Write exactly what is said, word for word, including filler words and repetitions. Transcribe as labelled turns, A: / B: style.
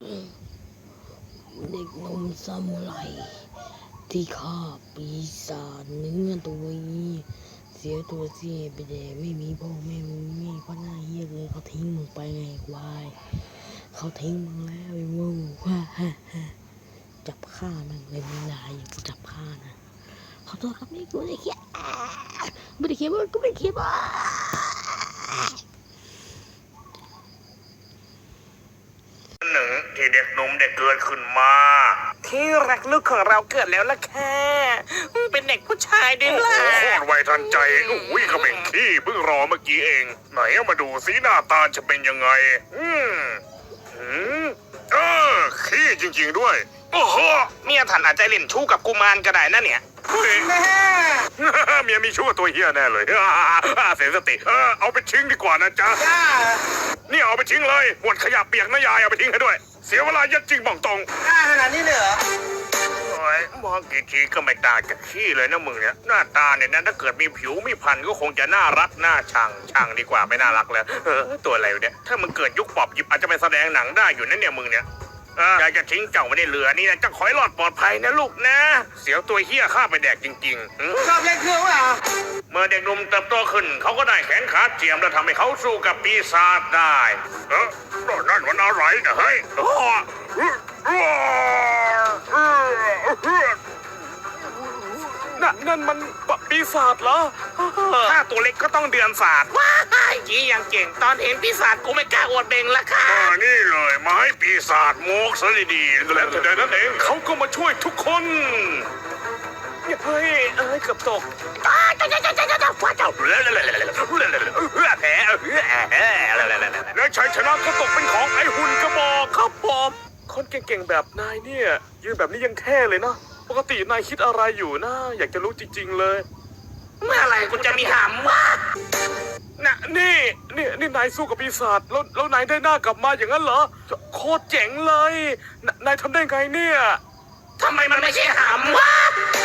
A: เด็กหนุ่มซามูไรที่ฆ่าปีศาจเนื้อตัวนี้เสียตัวเสียไปแต่ไม่มีพ่อไม่มีแม่ก็น่าเฮี้ยเลยเขาทิ้งมึงไปไงควายเขาทิ้งมึงแล้วไอ้โง่ฮ่าฮ่าฮ่าจับฆ่ามันเลยมึงลายอย่างกูจับฆ่านะขอโทษครับนี่กูไม่ได้เขียนไม่ได้เขียนว่ากูไม่ได้เขียนว่า
B: หนึ่งที่เด็กหนุ่มได้เกิดขึ้นมาที่รักลูกของเราเกิดแล้วล่ะค่ะเป็นเด็กผู้ชายด้วยล่ะโคตรไวทันใจอุ้ยเขาเป็นขี้เพิ่งรอเมื่อกี้เองไหนเอามาดูสีหน้าตาจะเป็นยังไงอืมอืมเออขี้จริงๆด้วยโอ้โหเมียท่านอาจจะเล่นชู้กับกุมารก็ได้นะเนี่ยเมียมีชู้กับตัวเฮียแน่เลยเสียสติเออเอาไปทิ้งดีกว่านะจ๊ะนี่เอาไปทิ้งเลยหมดขยะเปียกนะยายเอาไปทิ้งให้ด้วยเสียเวลายัดจริงบอกตรง
C: กล้าขนาดนี้เลยเหรอ
B: โอ้ยมองกี่ทีก็ไม่ต่างจากขี้เลยนะมึงเนี่ยหน้าตาเนี่ยนะถ้าเกิดมีผิวมีพันก็คงจะน่ารักน่าชังชังดีกว่าไม่น่ารักแล้วเออตัวอะไรเนี่ยถ้ามึงเกิดยุคปอบหยิบอาจจะไปแสดงหนังได้อยู่นั่นเนี่ยมึงเนี่ยอยากจะทิ้งเจ้าไว้ในเรือนี่นะจะขอให้รอดปลอดภัยนะลูกนะ เสียวตัวเฮี้ยข้าไปแดกจริงๆ
C: ชอบเล่นเครื่องวะ
B: เมื่อเด็กหนุ่มเติบโตขึ้นเขาก็ได้แขนขาเทียมแล้วทำให้เขาสู้กับปีศาจได้เออนั่นมันอะไรนะเฮ้ยนั่นนั่นมันปีศาจเหรอถ้าตัวเล็กก็ต้องเดือนศาสตร์ว้ายจีอย่างเก่งตอนเห็นปีศาจกูไม่กล้าอวดเบ่งละค่ะนี่เลยมาให้ปีศาจโมกซะดีๆแล้วแต่นั้นเองเขาก็มาช่วยทุกคนเฮ้ยเอ้ยเกือบตกแล้วชัยชนะก็ตกเป็นของไอ้หุ่นกระบอกครับผมคนเก่งๆแบบนายเนี่ยยืนแบบนี้ยังแค่เลยนะปกตินายคิดอะไรอยู่นะอยากจะรู้จริงๆเลยเมื่อไหร่กูจะมีหำวะน่ะนี่นี่นี่นายสู้กับปีศาจแล้วแล้วนายได้หน้ากลับมาอย่างนั้นเหรอโคตรเจ๋งเลยนายทำได้ไงเนี่ยทำไมมันไม่ใช่หำวะ